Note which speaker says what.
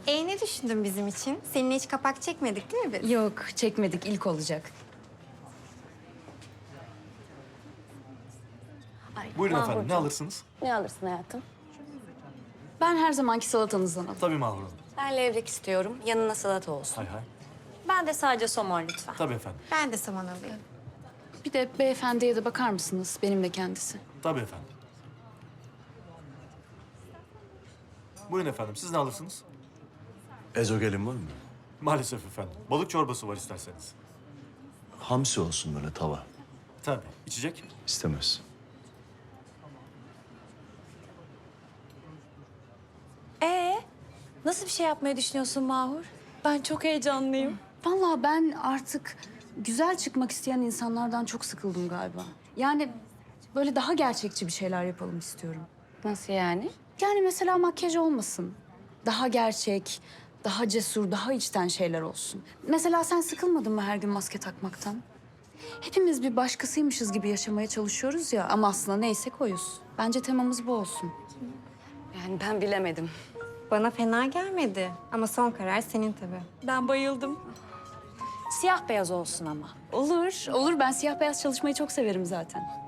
Speaker 1: Ne düşündün bizim için? Seninle hiç kapak çekmedik değil mi biz?
Speaker 2: Yok, çekmedik. İlk olacak.
Speaker 3: Buyurun efendim, ne alırsınız?
Speaker 4: Ne alırsın hayatım?
Speaker 2: Ben her zamanki salatanızdan alayım.
Speaker 3: Tabii Mahur Hanım.
Speaker 4: Ben levrek istiyorum. Yanına salata olsun.
Speaker 3: Hay hay.
Speaker 4: Ben de sadece somon lütfen.
Speaker 3: Tabii efendim.
Speaker 1: Ben de saman alayım.
Speaker 2: Bir de beyefendiye de bakar mısınız? Benimle kendisi.
Speaker 3: Tabii efendim. Buyurun efendim, siz ne alırsınız?
Speaker 5: Ezogelin var mı?
Speaker 3: Maalesef efendim. Balık çorbası var isterseniz.
Speaker 5: Hamsi olsun böyle tava.
Speaker 3: Tabii. İçecek?
Speaker 5: İstemez.
Speaker 4: Nasıl bir şey yapmayı düşünüyorsun Mahur? Ben çok heyecanlıyım.
Speaker 2: Vallahi ben artık güzel çıkmak isteyen insanlardan çok sıkıldım galiba. Yani böyle daha gerçekçi bir şeyler yapalım istiyorum.
Speaker 4: Nasıl yani?
Speaker 2: Yani mesela makyaj olmasın. Daha gerçek, daha cesur, daha içten şeyler olsun. Mesela sen sıkılmadın mı her gün maske takmaktan? Hepimiz bir başkasıymışız gibi yaşamaya çalışıyoruz ya ama aslında neyse koyuz. Bence temamız bu olsun.
Speaker 4: Yani ben bilemedim.
Speaker 1: Bana fena gelmedi. Ama son karar senin tabii.
Speaker 4: Ben bayıldım. Siyah beyaz olsun ama.
Speaker 2: Olur, olur. Ben siyah beyaz çalışmayı çok severim zaten.